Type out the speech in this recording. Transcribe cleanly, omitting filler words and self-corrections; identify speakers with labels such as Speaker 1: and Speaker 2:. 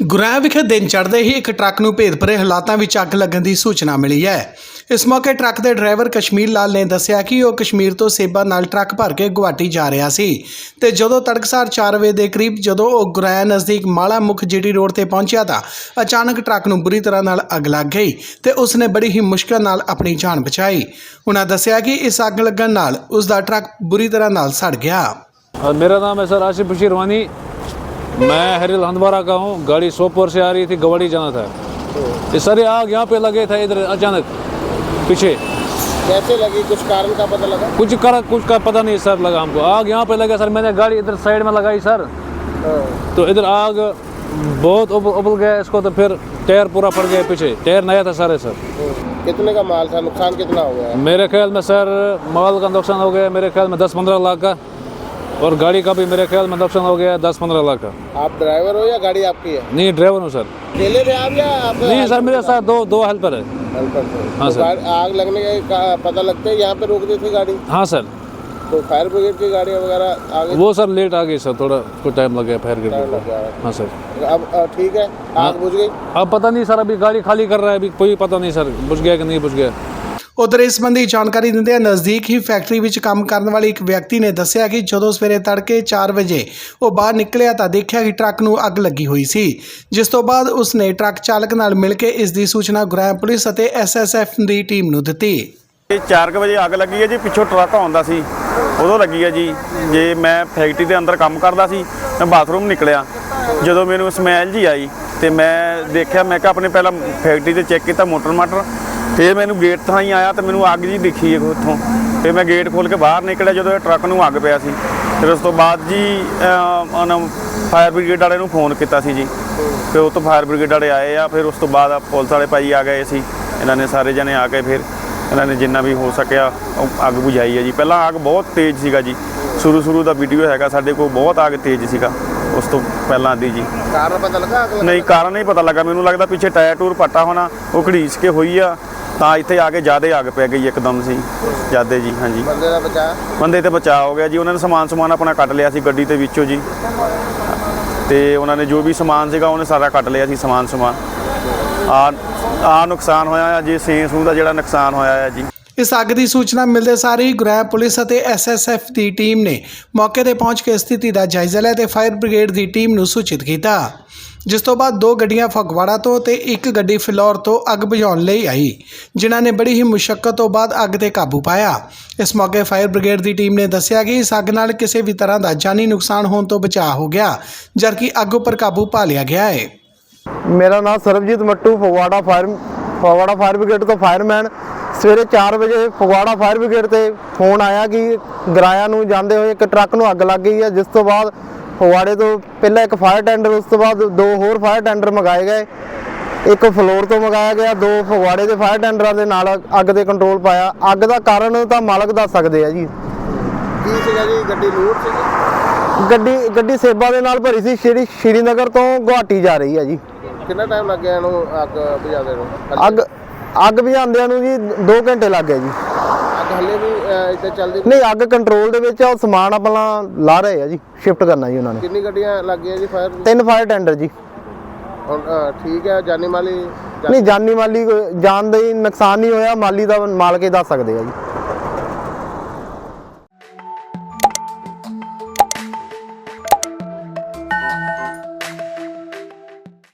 Speaker 1: ਗੁਰੇਆ ਵਿਖੇ ਦਿਨ ਚੜ੍ਹਦੇ ਹੀ ਇੱਕ ਟਰੱਕ ਨੂੰ ਭੇਦ ਭਰੇ ਹਾਲਾਤਾਂ ਵਿੱਚ ਅੱਗ ਲੱਗਣ ਦੀ ਸੂਚਨਾ ਮਿਲੀ ਹੈ। ਇਸ ਮੌਕੇ ਟਰੱਕ ਦੇ ਡਰਾਈਵਰ ਕਸ਼ਮੀਰ ਲਾਲ ਨੇ ਦੱਸਿਆ ਕਿ ਉਹ ਕਸ਼ਮੀਰ ਤੋਂ ਸੇਬਾਂ ਨਾਲ ਟਰੱਕ ਭਰ ਕੇ ਗੁਹਾਟੀ ਜਾ ਰਿਹਾ ਸੀ ਤੇ ਜਦੋਂ ਤੜਕਸਾਰ 4 ਵਜੇ ਦੇ ਕਰੀਬ ਜਦੋਂ ਉਹ ਗੁਰੇਆ ਨਜ਼ਦੀਕ ਮਾਲਾ ਮੁਖ ਜੀਟੀ ਰੋਡ ਤੇ ਪਹੁੰਚਿਆ ਤਾਂ ਅਚਾਨਕ ਟਰੱਕ ਨੂੰ ਬੁਰੀ ਤਰ੍ਹਾਂ ਨਾਲ ਅੱਗ ਲੱਗ ਗਈ ਤੇ ਉਸਨੇ ਬੜੀ ਹੀ ਮੁਸ਼ਕਲ ਨਾਲ ਆਪਣੀ ਜਾਨ ਬਚਾਈ। ਉਹਨਾਂ ਦੱਸਿਆ ਕਿ ਇਸ ਅੱਗ ਲੱਗਣ ਨਾਲ ਉਸ ਦਾ ਟਰੱਕ ਬੁਰੀ ਤਰ੍ਹਾਂ ਨਾਲ ਸੜ ਗਿਆ।
Speaker 2: मेरा नाम है सर आसिफ बशीर वानी। मैं हरिल हंदवारा का हूँ। गाड़ी सोपोर से आ रही थी, गवाड़ी जाना था। ये सर आग यहाँ पे लगे था इधर अचानक पीछे।
Speaker 3: कैसे लगी, कुछ कारण का पता लगा?
Speaker 2: कुछ का पता नहीं सर लगा हमको। आग यहाँ पे लगा सर, मैंने गाड़ी इधर साइड में लगाई सर तो इधर आग बहुत उबल गया इसको, तो फिर टायर पूरा फट गया पीछे। टायर नया था सारे सर।
Speaker 3: कितने का माल था, नुकसान कितना हो गया?
Speaker 2: मेरे ख्याल में सर माल का नुकसान हो गया मेरे ख्याल में 10-15 लाख का, और गाड़ी का भी मेरे ख्याल में नुकसान हो गया 10-15 लाख का।
Speaker 3: आप ड्राइवर हो या गाड़ी आपकी है?
Speaker 2: नहीं, ड्राइवर हूँ सर।
Speaker 3: अकेले थे आप या आप?
Speaker 2: नहीं सर, मेरे साथ दो हेल्पर है।
Speaker 3: हेल्पर थे।
Speaker 2: हाँ
Speaker 3: तो
Speaker 2: सर।
Speaker 3: आग लगने का पता लगता है यहाँ पे रोक दी थी गाड़ी?
Speaker 2: हाँ सर।
Speaker 3: तो फायर ब्रिगेड की गाड़ियाँ वगैरह आ गई?
Speaker 2: वो सर लेट आ गई सर, थोड़ा कुछ टाइम लग गया फायर
Speaker 3: टाइम लग
Speaker 2: ब्रिगेड।
Speaker 3: गया।
Speaker 2: हाँ सर।
Speaker 3: अब ठीक है, आग बुझ गई?
Speaker 2: अब पता नहीं सर, अभी गाड़ी खाली कर रहा है, अभी कोई पता नहीं सर बुझ गया कि नहीं बुझ गया।
Speaker 1: ਉਧਰ ਇਸ ਸੰਬੰਧੀ ਜਾਣਕਾਰੀ ਦਿੰਦਿਆਂ ਨਜ਼ਦੀਕ ਹੀ ਫੈਕਟਰੀ ਵਿੱਚ ਕੰਮ ਕਰਨ ਵਾਲੇ ਇੱਕ ਵਿਅਕਤੀ ਨੇ ਦੱਸਿਆ ਕਿ ਜਦੋਂ ਸਵੇਰੇ ਤੜਕੇ 4 ਵਜੇ ਉਹ ਬਾਹਰ ਨਿਕਲਿਆ ਤਾਂ ਦੇਖਿਆ ਕਿ ਟਰੱਕ ਨੂੰ ਅੱਗ ਲੱਗੀ ਹੋਈ ਸੀ, ਜਿਸ ਤੋਂ ਬਾਅਦ ਉਸਨੇ ਟਰੱਕ ਚਾਲਕ ਨਾਲ ਮਿਲ ਕੇ ਇਸ ਦੀ ਸੂਚਨਾ ਗੁਰੇਆ ਪੁਲਿਸ ਅਤੇ ਐਸਐਸਐਫ ਦੀ ਟੀਮ ਨੂੰ ਦਿੱਤੀ।
Speaker 4: 4 ਵਜੇ ਅੱਗ ਲੱਗੀ ਹੈ ਜੀ, ਪਿੱਛੋਂ ਟਰੱਕ ਆਉਂਦਾ ਸੀ ਉਦੋਂ ਲੱਗੀ ਹੈ ਜੀ। ਜੇ ਮੈਂ ਫੈਕਟਰੀ ਦੇ ਅੰਦਰ ਕੰਮ ਕਰਦਾ ਸੀ, ਮੈਂ ਬਾਥਰੂਮ ਨਿਕਲਿਆ, ਜਦੋਂ ਮੈਨੂੰ ਸਮੈਲ ਜੀ ਆਈ ਤੇ ਮੈਂ ਦੇਖਿਆ, ਮੈਂ ਕਿਹਾ ਆਪਣੇ ਪਹਿਲਾਂ ਫੈਕਟਰੀ ਤੇ ਚੈੱਕ ਕੀਤਾ ਮੋਟਰ ਫਿਰ ਮੈਨੂੰ ਗੇਟ ਤੋਂ ਹੀ ਆਇਆ ਤੇ ਮੈਨੂੰ ਅੱਗ ਜੀ ਦਿਖੀ ਉੱਥੋਂ। ਫਿਰ ਮੈਂ ਗੇਟ ਖੋਲ੍ਹ ਕੇ ਬਾਹਰ ਨਿਕਲਿਆ, ਜਦੋਂ ਇਹ ਟਰੱਕ ਨੂੰ ਅੱਗ ਪਿਆ ਸੀ। ਫਿਰ ਉਸ ਤੋਂ ਬਾਅਦ ਜੀ ਉਹਨਾਂ ਫਾਇਰ ਬ੍ਰਿਗੇਡ ਵਾਲੇ ਨੂੰ ਫੋਨ ਕੀਤਾ ਸੀ ਜੀ, ਫਿਰ ਉਹ ਤੋਂ ਫਾਇਰ ਬ੍ਰਿਗੇਡ ਵਾਲੇ ਆਏ ਆ। ਫਿਰ ਉਸ ਤੋਂ ਬਾਅਦ ਪੁਲਿਸ ਵਾਲੇ ਭਾਈ ਆ ਗਏ ਸੀ, ਇਹਨਾਂ ਨੇ ਸਾਰੇ ਜਣੇ ਆ ਕੇ ਫਿਰ ਇਹਨਾਂ ਨੇ ਜਿੰਨਾ ਵੀ ਹੋ ਸਕਿਆ ਅੱਗ ਬੁਝਾਈ ਹੈ ਜੀ। ਪਹਿਲਾਂ ਅੱਗ ਬਹੁਤ ਤੇਜ਼ ਸੀਗਾ ਜੀ, ਸ਼ੁਰੂ ਦਾ ਵੀਡੀਓ ਹੈਗਾ ਸਾਡੇ ਕੋਲ, ਬਹੁਤ ਅੱਗ ਤੇਜ਼ ਸੀਗਾ ਉਸ ਤੋਂ ਪਹਿਲਾਂ ਦੀ ਜੀ।
Speaker 3: कारण पता लगा?
Speaker 4: ਨਹੀਂ, ਕਾਰਨ ਨਹੀਂ ਪਤਾ ਲੱਗਾ, ਮੈਨੂੰ ਲੱਗਦਾ ਪਿੱਛੇ ਟਾਇਰ ਟੂਰ ਪੱਟਾ ਹੋਣਾ, ਉਹ ਘੜੀਸ ਕੇ ਹੋਈ ਆ ਤਾਂ ਇੱਥੇ ਆ ਕੇ ਜ਼ਿਆਦਾ ਅੱਗ ਪੈ ਗਈ ਇੱਕਦਮ ਸੀ ਜ਼ਿਆਦਾ ਜੀ। ਹਾਂਜੀ,
Speaker 3: बंदे का बचा?
Speaker 4: ਬੰਦੇ ਤੇ ਬਚਾਅ ਹੋ ਗਿਆ ਜੀ। ਉਹਨਾਂ ਨੇ ਸਮਾਨ ਆਪਣਾ ਕੱਟ ਲਿਆ ਸੀ ਗੱਡੀ ਦੇ ਵਿੱਚੋਂ ਜੀ, ਤੇ ਉਹਨਾਂ ਨੇ ਜੋ ਵੀ ਸਮਾਨ ਸੀਗਾ ਉਹਨੇ ਸਾਰਾ ਕੱਟ ਲਿਆ ਸੀ ਸਮਾਨ ਆ ਨੁਕਸਾਨ ਹੋਇਆ ਆ ਜੀ, ਸੂਹ ਦਾ ਜਿਹੜਾ ਨੁਕਸਾਨ ਹੋਇਆ ਹੈ ਜੀ।
Speaker 1: ਇਸ ਅੱਗ ਦੀ ਸੂਚਨਾ ਮਿਲਦੇ ਸਾਰ ਹੀ ਗੁਰੇਆ ਪੁਲਿਸ ਅਤੇ ਐਸਐਸਐਫ ਦੀ ਟੀਮ ਨੇ ਮੌਕੇ ਤੇ ਪਹੁੰਚ ਕੇ ਸਥਿਤੀ ਦਾ ਜਾਇਜ਼ਾ ਲਿਆ ਤੇ ਫਾਇਰ ਬ੍ਰਿਗੇਡ ਦੀ ਟੀਮ ਨੂੰ ਸੂਚਿਤ ਕੀਤਾ, ਜਿਸ ਤੋਂ ਬਾਅਦ 2 ਗੱਡੀਆਂ ਫਗਵਾੜਾ ਤੋਂ ਤੇ 1 ਗੱਡੀ ਫਿਲੌਰ ਤੋਂ ਅੱਗ ਬੁਝਾਉਣ ਲਈ ਆਈ, ਜਿਨ੍ਹਾਂ ਨੇ ਬੜੀ ਹੀ ਮੁਸ਼ੱਕਤ ਤੋਂ ਬਾਅਦ ਅੱਗ ਤੇ ਕਾਬੂ ਪਾਇਆ। ਇਸ ਮੌਕੇ ਫਾਇਰ ਬ੍ਰਿਗੇਡ ਦੀ ਟੀਮ ਨੇ ਦੱਸਿਆ ਕਿ ਇਸ ਅੱਗ ਨਾਲ ਕਿਸੇ ਵੀ ਤਰ੍ਹਾਂ ਦਾ ਜਾਨੀ ਨੁਕਸਾਨ ਹੋਣ ਤੋਂ ਬਚਾਅ ਹੋ ਗਿਆ, ਜਦਕਿ ਅੱਗ ਉੱਪਰ ਕਾਬੂ ਪਾ ਲਿਆ ਗਿਆ ਹੈ।
Speaker 5: मेरा नाम सरबजीत मट्टू, फगवाड़ा फायर ब्रिगेड तो फायरमैन। सवेरे 4 वजे फगवाड़ा फायर ब्रिगेड से फोन आया कि गराया नूं जांदे होए एक ट्रक नूं अग लग गई है, जिस तो बाद फगवाड़े तो पहले एक फायर टेंडर, उस तो बाद 2 होर फायर टेंडर मंगाए गए। एक फ्लोर तो मंगाया गया, 2 फगवाड़े के फायर टेंडर के नाल अग ते कंट्रोल पाया। अग का कारण तो मालक दस सकते हैं जी।
Speaker 3: की सीगा जी? गड्डी लूट सीगी?
Speaker 5: गड्डी सेबा दे नाल भरी सी, श्रीनगर तो गुवाहाटी जा रही है जी।
Speaker 3: कितना टाइम लग गया इन्हूं अग बुझाते नूं?
Speaker 5: अग बुझाउंदिਆਂ ਨੂੰ जी 2 घंटे लग गए जी।
Speaker 3: अग हले भी इत्थे चलदी
Speaker 5: नहीं, अग कंट्रोल ਦੇ ਵਿੱਚ ਆ, ਸਮਾਨ ਆਪਣਾ ਲਾ ਰਹੇ ਆ ਜੀ, ਸ਼ਿਫਟ ਕਰਨਾ ਜੀ ਉਹਨਾਂ ਨੇ।
Speaker 3: कितनी गड्डियां लग गई जी फायर?
Speaker 5: 3 फायर टेंडर जी।
Speaker 3: ਹੁਣ ਠੀਕ ਹੈ, ਜਾਨੀ ਮਾਲੀ?
Speaker 5: ਨਹੀਂ, ਜਾਨੀ ਮਾਲੀ ਜਾਨ ਦਾ ਨੁਕਸਾਨ ਨਹੀਂ ਹੋਇਆ, ਮਾਲੀ ਦਾ ਮਾਲਕ ਹੀ ਦੱਸ ਸਕਦੇ ਆ ਜੀ।